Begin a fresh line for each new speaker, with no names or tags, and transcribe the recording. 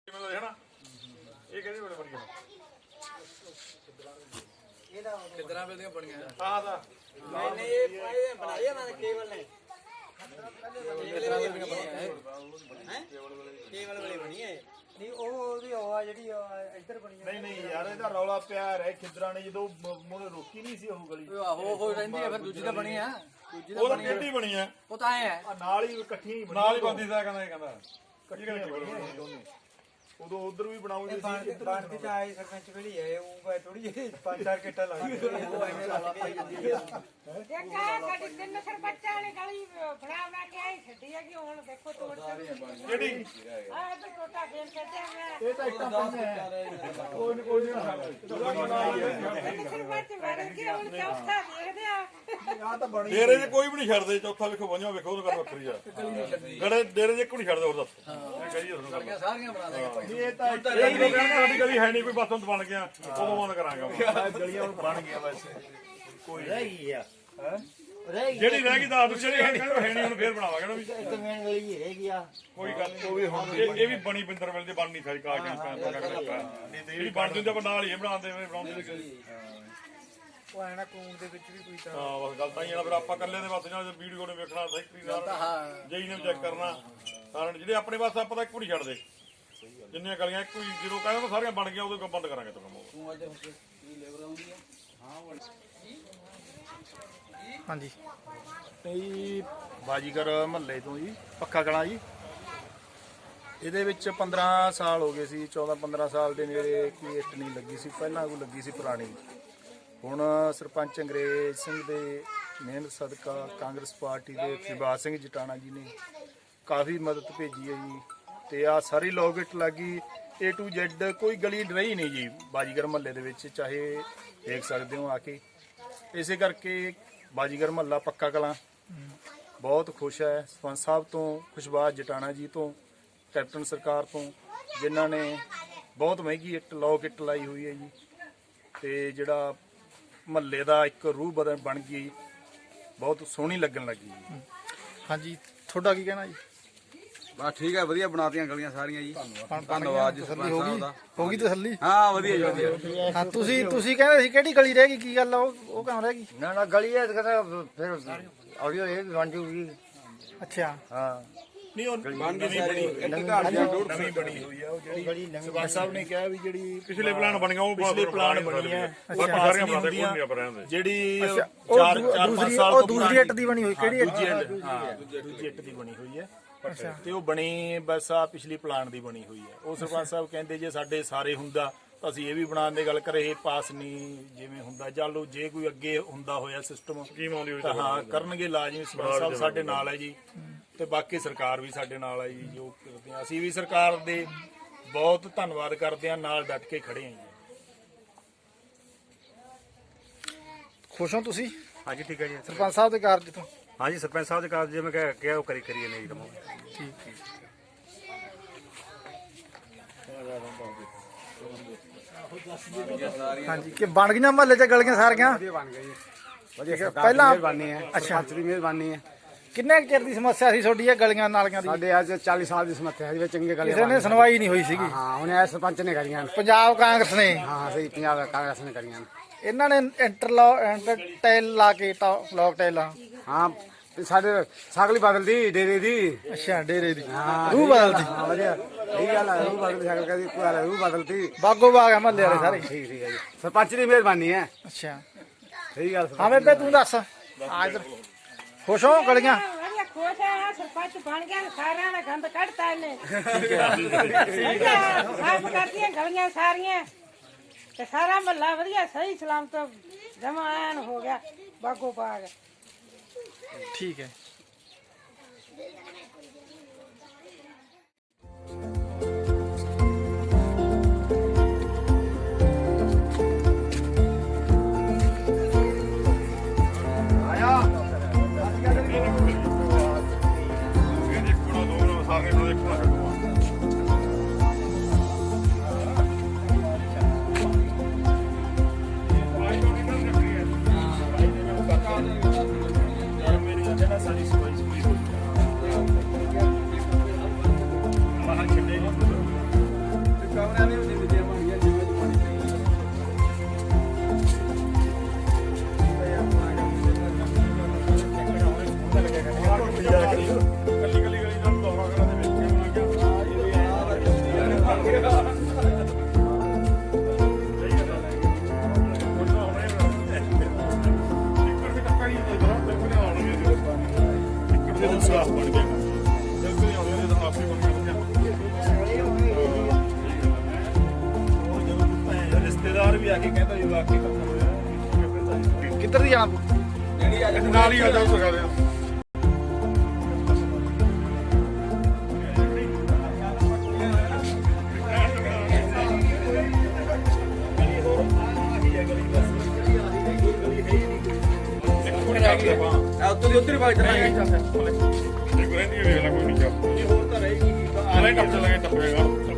ਇਹ ਕਹਿੰਦੇ ਬੜੇ ਬੜੀਆਂ
ਇਹਦਾ
ਕਿੱਦਾਂ ਵੇਲੀਆਂ ਬਣੀਆਂ
ਆਹ ਦਾ
ਨਹੀਂ ਨਹੀਂ ਇਹ ਬਣਾਇਆ ਨਾ ਕੇਵਲ ਨੇ ਕੇਵਲ ਵਾਲੀ ਬਣੀ ਹੈ ਨਹੀਂ ਉਹਦੀ ਹਵਾ ਜਿਹੜੀ ਇੱਧਰ ਬਣੀ ਹੈ
ਨਹੀਂ ਯਾਰ ਇਹਦਾ ਰੌਲਾ ਪਿਆ ਰਹਿ ਖਿੱਦਰਾਂ ਨੇ ਜਦੋਂ ਮੋਨੇ ਰੋਕੀ ਨਹੀਂ ਸੀ ਉਹ ਗਲੀ
ਆਹੋ ਹੋ ਰਹਿੰਦੀ ਹੈ ਫਿਰ ਦੂਜੀ ਤਾਂ ਬਣੀ ਆ ਦੂਜੀ
ਉਹ ਤਾਂ ਕਿਹੜੀ ਬਣੀ ਆ
ਉਹ ਤਾਂ ਐ ਹੈ
ਨਾਲ ਹੀ ਇਕੱਠੀਆਂ ਹੀ
ਨਾਲ ਹੀ ਬੰਦੀ ਦਾ ਕਹਿੰਦਾ
ਇਕੱਠੀਆਂ ਬਣੀਆਂ ਦੋਨੇ ਉਦੋਂ ਉਧਰ ਵੀ ਬਣਾਉਂਦੇ ਸੀ
ਬਣਦੀ ਤਾਂ ਆਈ ਸਰਪੰਚ ਵੇਲੀ ਹੈ ਉਹ ਥੋੜੀ ਜਿਹੀ 5-4 ਕਿੱਟਾ ਲੱਗ
ਉਹ ਐਵੇਂ ਰੌਲਾ ਪਾਈ ਜਾਂਦੀ ਹੈ
ਦੇਖਾ ਸਾਡੀ ਤਿੰਨ ਸਰਪੰਚਾਂ ਵਾਲੀ ਗਲੀ ਬਣਾ ਕੇ ਆਈ ਛੱਡੀ ਹੈ ਕਿ ਹੁਣ ਦੇਖੋ ਤੋੜ
ਕਿਹੜੀ
ਆਹ ਤੇ ਟੋਟਾ ਗੇਮ ਖੇਡਿਆ ਮੈਂ
ਇਹ ਤਾਂ ਇੱਕ ਕੋਈ ਨਹੀਂ
ਸਰਪੰਚ ਬਣ ਗਿਆ ਹੁਣ ਚੌਥਾ ਦੇਖਦੇ ਆ
ਆ ਤਾਂ ਬਣੀ
ਡੇਰੇ 'ਚ ਕੋਈ ਵੀ ਨਹੀਂ ਛੱਡਦੇ ਚੌਥਾ ਵੇਖੋ ਵੰਜਾ ਵੇਖੋ ਉਹਨੂੰ ਕਰ ਵੱਖਰੀ ਆ ਗੜੇ ਡੇਰੇ 'ਚ ਕੋਈ ਨਹੀਂ ਛੱਡਦੇ ਹੋਰ ਦੱਸ ਇਹ ਕਹੀਏ ਤੁਹਾਨੂੰ
ਗਲੀਆਂ ਸਾਰੀਆਂ ਬਣਾ ਦੇਗਾ ਭਾਈ
ਇਹ ਤਾਂ
ਇਹ ਨਹੀਂ ਕਹਿੰਦਾ ਸਾਡੀ ਗਲੀ ਹੈ ਨਹੀਂ ਕੋਈ ਬਸ ਹੁਣ ਬਣ ਗਿਆ ਉਦੋਂ ਬੰਦ ਕਰਾਂਗਾ
ਗਲੀਆਂ ਬਣ ਗਈਆਂ ਵੈਸੇ ਕੋਈ
ਰਹਿ ਗਈ ਆ
ਜਿਹੜੀ ਰਹਿ ਗਈ ਦੱਸ ਜਿਹੜੀ ਹੈ ਨਹੀਂ ਹੁਣ ਫੇਰ ਬਣਾਵਾਂਗੇ ਨਾ ਵੀ
ਇੱਕ ਮੇਨ ਗਲੀ ਰਹਿ ਗਈ ਆ
ਕੋਈ ਗੱਲ ਉਹ ਵੀ ਹੁਣ ਇਹ ਵੀ ਬਣੀ ਬਿੰਦਰ ਵੇਲੇ ਦੀ ਬਣ ਨਹੀਂ ਸਾਰੀ ਕਾਗਜ਼ਾਂ ਜਿਹੜੀ ਬਣ ਜਾਂਦੀ ਆਪਾਂ ਨਾਲ ਹੀ ਬਣਾਉਂਦੇ ਬਣਾਉਂਦੇ
ਉਹ ਐਨਾ ਕੂਮ ਦੇ ਵਿੱਚ ਵੀ ਕੋਈ ਤਾਂ
ਹਾਂ ਬਸ ਗੱਲ ਤਾਂ ਹੀ ਆ ਫਿਰ ਆਪਾਂ ਇਕੱਲੇ ਦੇ ਬਸ ਨਾਲ ਵੀਡੀਓ ਨੇ ਵੇਖਣਾ ਸੈਕਟਰੀ ਨਾਲ
ਹਾਂ
ਜਈ ਨੇ ਚੈੱਕ ਕਰਨਾ ਸਾਰਿਆਂ ਜਿਹੜੇ ਆਪਣੇ ਬਸ ਆਪਾਂ ਤਾਂ ਇੱਕੋ ਨਹੀਂ ਛੱਡਦੇ ਜਿੰਨੀਆਂ ਗਲੀਆਂ ਇੱਕੋ ਹੀ ਜਦੋਂ ਕਹਿੰਦੇ ਸਾਰੀਆਂ ਬਣ ਗਈਆਂ ਉਦੋਂ ਬੰਦ ਕਰਾਂਗੇ ਤੁਹਾਨੂੰ
ਤੂੰ ਅੱਜ ਕੀ ਲੇਬਰ ਆਉਂਦੀ ਹੈ
ਹਾਂਜੀ ਇਹ ਬਾਜੀਗਰ ਮਹੱਲੇ ਤੋਂ ਜੀ ਪੱਕਾ ਕਲਾਂ ਜੀ ਇਹਦੇ ਵਿੱਚ 15 ਸਾਲ ਹੋ ਗਏ ਸੀ 14-15 ਸਾਲ ਦੇ ਨੇੜੇ ਕੋਈ ਇੱਟ ਨਹੀਂ ਲੱਗੀ ਸੀ ਪਹਿਲਾਂ ਕੋਈ ਲੱਗੀ ਸੀ ਪੁਰਾਣੀ ਹੁਣ ਸਰਪੰਚ ਅੰਗਰੇਜ਼ ਸਿੰਘ ਦੇ ਮਿਹਨਤ ਸਦਕਾ ਕਾਂਗਰਸ ਪਾਰਟੀ ਦੇ ਫਿਰਬਾਜ ਸਿੰਘ ਜਟਾਣਾ ਜੀ ਨੇ ਕਾਫੀ ਮਦਦ ਭੇਜੀ ਹੈ ਜੀ ਤੇ ਆ ਸਾਰੀ ਲੋਗਿਟ ਲੱਗੀ A to Z ਕੋਈ ਗਲੀ ਰਹੀ ਨਹੀਂ ਜੀ ਬਾਜੀਗਰ ਮਹੱਲੇ ਦੇ ਵਿੱਚ ਚਾਹੇ ਦੇਖ ਸਕਦੇ ਹੋ ਆ ਕੇ ਇਸੇ ਕਰਕੇ ਬਾਜੀਗਰ ਮਹੱਲਾ ਪੱਕਾ ਕਲਾਂ ਬਹੁਤ ਖੁਸ਼ ਹੈ ਸਰਪੰਚ ਸਾਹਿਬ ਤੋਂ ਖੁਸ਼ਬਾਜ਼ ਜਟਾਣਾ ਜੀ ਤੋਂ ਕੈਪਟਨ ਸਰਕਾਰ ਤੋਂ ਜਿਨ੍ਹਾਂ ਨੇ ਬਹੁਤ ਮਹਿੰਗੀ ਇੱਟ ਲੋਕ ਇੱਟ ਲਾਈ ਹੋਈ ਹੈ ਜੀ ਤੇ ਜਿਹੜਾ ਮਹੱਲੇ ਦਾ ਇੱਕ ਰੂਹ ਬਣ ਗਈ ਬਹੁਤ ਸੋਹਣੀ ਲੱਗਣ ਲੱਗੀ ਜੀ ਹਾਂਜੀ ਤੁਹਾਡਾ ਕੀ ਕਹਿਣਾ ਜੀ
ਬਸ ਠੀਕ ਹੈ ਵਧੀਆ ਬਣਾਤੀਆਂ ਗਲੀਆਂ ਸਾਰੀਆਂ ਜੀ ਧੰਨਵਾਦ ਜੀ
ਤਸੱਲੀ ਹੋ ਗਈ ਤਸੱਲੀ
ਹਾਂ ਵਧੀਆ ਜੀ ਵਧੀਆ
ਹਾਂ ਤੁਸੀਂ ਕਹਿੰਦੇ ਸੀ ਕਿਹੜੀ ਗਲੀ ਰਹਿ ਗਈ ਕੀ ਗੱਲ ਆ ਉਹ ਕਿਉਂ ਰਹਿ ਗਈ
ਨਾ ਗਲੀ ਹੈ ਕਹਿੰਦਾ ਫਿਰ ਆਡੀਓ ਇਹ ਵੀ ਬਣ ਜੂਗੀ
ਅੱਛਾ
ਹਾਂ
ਨਹੀਂ ਉਹ
ਬਣ ਗਈ ਸਾਰੀ ਇੱਕ ਘਰ ਦੀਆਂ ਡੂੜ
ਨਵੀਂ ਬਣੀ ਹੋਈ ਆ ਉਹ ਜਿਹੜੀ
ਸਰਪੰਚ ਸਾਹਿਬ ਨੇ ਕਿਹਾ ਵੀ ਜਿਹੜੀ
ਪਿਛਲੇ ਪਲਾਨ ਬਣ ਗਿਆ ਉਹ
ਪਿਛਲੇ ਪਲਾਨ ਬਣੀ ਹੈ
ਬਾਕੀ ਸਾਰੀਆਂ ਬਣਾਦੇ ਕੋਈ ਨਹੀਂ ਆਪਾਂ ਰਹਿੰਦੇ
ਜਿਹੜੀ
ਉਹ
4-5 ਸਾਲ
ਉਹ
ਤੋਂ
ਦੂਸਰੀ ਇੱਟ ਦੀ ਬਣੀ ਹੋਈ ਕਿਹੜੀ ਇੱਟ
ਦੂਜੀ ਇੱਟ ਦੀ ਬਣੀ ਹੋਈ ਹੈ ਤੇ ਉਹ ਬਣੀ ਬਸ ਆ ਪਿਛਲੀ ਪਲਾਨ ਦੀ ਬਣੀ ਹੋਈ ਹੈ ਉਹ ਸਰਪੰਚ ਸਾਹਿਬ ਕਹਿੰਦੇ ਜੇ ਸਾਡੇ ਸਾਰੇ ਹੁੰਦਾ ਤਾਂ ਅਸੀਂ ਇਹ ਵੀ ਬਣਾਉਣ ਦੀ ਗੱਲ ਕਰੇ ਪਾਸ ਨਹੀਂ ਜਿਵੇਂ ਹੁੰਦਾ ਚਲੋ ਜੇ ਕੋਈ ਅੱਗੇ ਹੁੰਦਾ ਹੋਇਆ ਸਿਸਟਮ
ਸਕੀਮ ਆਉਂਦੀ ਹੋਈ
ਤਾਂ ਹਾਂ ਕਰਨਗੇ ਲਾਜ਼ਮੀ ਸਰਪੰਚ ਸਾਹਿਬ ਸਾਡੇ ਨਾਲ ਹੈ ਜੀ ਤੇ ਬਾਕੀ ਸਰਕਾਰ ਵੀ ਸਾਡੇ ਨਾਲ ਹੈ ਜੀ ਜੋ ਕਰਦੇ ਆ ਅਸੀਂ ਵੀ ਸਰਕਾਰ ਦੇ ਬਹੁਤ ਧੰਨਵਾਦ ਕਰਦੇ ਆ ਨਾਲ ਡਟ ਕੇ ਖੜੇ ਆ ਜੀ
ਖੁਸ਼ ਹੋ ਤੁਸੀਂ
ਹਾਂਜੀ ਠੀਕ ਹੈ ਜੀ
ਸਰਪੰਚ ਸਾਹਿਬ ਦੇ ਕਾਰਜ ਤੋਂ
ਹਾਂਜੀ ਸਰਪੰਚ ਸਾਹਿਬ ਦੇ ਕਾਰਜ ਜਿਵੇਂ ਕਿਹਾ ਉਹ ਕਰੀਏ ਨਹੀਂ ਦਮੋ
ਠੀਕ ਹਾਂਜੀ ਕਿ ਬਣ ਗਈਆਂ ਮਹੱਲੇ 'ਚ ਗਲੀਆਂ ਸਾਰੀਆਂ
ਬਣ ਗਏ ਜੀ ਵਧੀਆ
ਪਹਿਲਾਂ
ਮਿਹਰਬਾਨੀ ਹੈ ਸਰਪੰਚ ਦੀ ਮਿਹਰਬਾਨੀ ਹੈ
ਕਿੰਨੇ ਕੁ ਚਿਰ ਦੀ ਸਮੱਸਿਆ ਸੀ ਤੁਹਾਡੀ ਇਹ ਗਲੀਆਂ ਨਾਲੀਆਂ ਦੀ
ਸਾਡੇ ਅੱਜ 40 ਸਾਲ ਦੀ ਸਮੱਸਿਆ ਹੈ ਜੀ ਚੰਗੇ ਗਲੇ
ਕਿਸੇ ਨੇ ਸੁਣਵਾਈ ਨਹੀਂ ਹੋਈ ਸੀਗੀ
ਹਾਂ ਉਹਨੇ ਸਰਪੰਚ ਨੇ ਕਰੀਆਂ
ਪੰਜਾਬ ਕਾਂਗਰਸ ਨੇ
ਹਾਂ ਸਹੀ ਪੰਜਾਬ ਕਾਂਗਰਸ ਨੇ ਕਰੀਆਂ
ਇਹਨਾਂ ਨੇ ਇੰਟਰਟੈਲ ਲਾ ਕੇ ਲੋਕ ਟੈਲਾਂ
ਹਾਂ ਸਾਡੇ ਸਾਗਲੀ ਬਦਲਦੀ ਡੇਰੇ ਦੀ
ਅੱਛਾ ਡੇਰੇ ਦੀ
ਹਾਂ
ਰੂਹ ਬਦਲਦੀ
ਹਾਂ ਵਧੀਆ ਇਹ ਗੱਲ ਹੈ ਰੂਹ ਬਦਲਦੀ ਸਾਗਲ ਕਹਦੀ ਕੋਈ ਗੱਲ ਰੂਹ ਬਦਲਦੀ
ਬਾਗੋ ਬਾਗ ਆ ਮਹੱਲੇ ਵਾਲੇ ਸਾਰੇ
ਠੀਕ ਠੀਕ ਹੈ ਜੀ ਸਰਪੰਚ ਦੀ ਮਿਹਰਬਾਨੀ ਹੈ
ਅੱਛਾ
ਸਹੀ ਗੱਲ
ਹਾਂ ਬੇਬੇ ਤੂੰ ਦੱਸ ਆ ਇੱਧਰ ਖੁਸ਼ ਹੋ ਗਲੀਆਂ
ਵਧੀਆ ਖੁਸ਼ ਆ ਸਰਪੰਚ ਬਣ ਗਿਆ ਸਾਰਿਆਂ ਦਾ ਗੰਦ ਕੱਢਤਾ ਇਹਨੇ ਸਾਫ ਕਰਤੀਆਂ ਗਲੀਆਂ ਸਾਰੀਆਂ ਤੇ ਸਾਰਾ ਮਹੱਲਾ ਵਧੀਆ ਸਹੀ ਸਲਾਮਤ ਜਮਾ ਐਨ ਹੋ ਗਿਆ ਬਾਗੋ ਬਾਗ
ਠੀਕ ਹੈ
ਸਾਰੇ ਨੂੰ ਦੇਖਣਾ
ਸਾਡੀ ਸਫਾਈ ਪੂਰੀ ਹੋ
ਕਮਰਿਆਂ ਦੇ ਵਿੱਚ ਦਿੱਤੀਆਂ ਬਣੀਆਂ ਜਿਵੇਂ ਚ ਪਾਣੀ
ਕੱਲੀ ਕੱਲੀ ਗਲੀ ਦਾ ਦੌਰਾ ਕਰਨ ਦੇ ਵਿੱਚ ਸਾਫ ਬਣ ਗਿਆ ਜਦ ਵੀ ਆਉਂਦੇ ਨੇ ਤਾਂ ਆਪੇ ਬਣ ਗਿਆ
ਰਿਸ਼ਤੇਦਾਰ ਵੀ ਆ ਕੇ ਕਹਿੰਦਾ ਵੀ ਵਾਕਈ ਕੰਮ ਹੋਇਆ।
ਕਿੱਧਰ ਦੀ ਜਾਣਾ
ਨਾਲ ਹੀ ਆ ਜਾਓ ਸਕਾ ਦੇ
ਉੱਤੋਂ ਦੀ ਉੱਧਰ ਹੀ ਵਗ ਚੱਲਾਂਗੇ
ਇੱਕ ਰਹਿੰਦੀ ਵੇਖ ਲੈ ਕੋਈ ਨਹੀਂ ਚੱਪ
ਹੋਰ ਤਾਂ ਰਹੇਗੀ
ਆਲੇ ਟੱਪ ਚੱਲਾਂਗੇ ਟੱਪੇਗਾ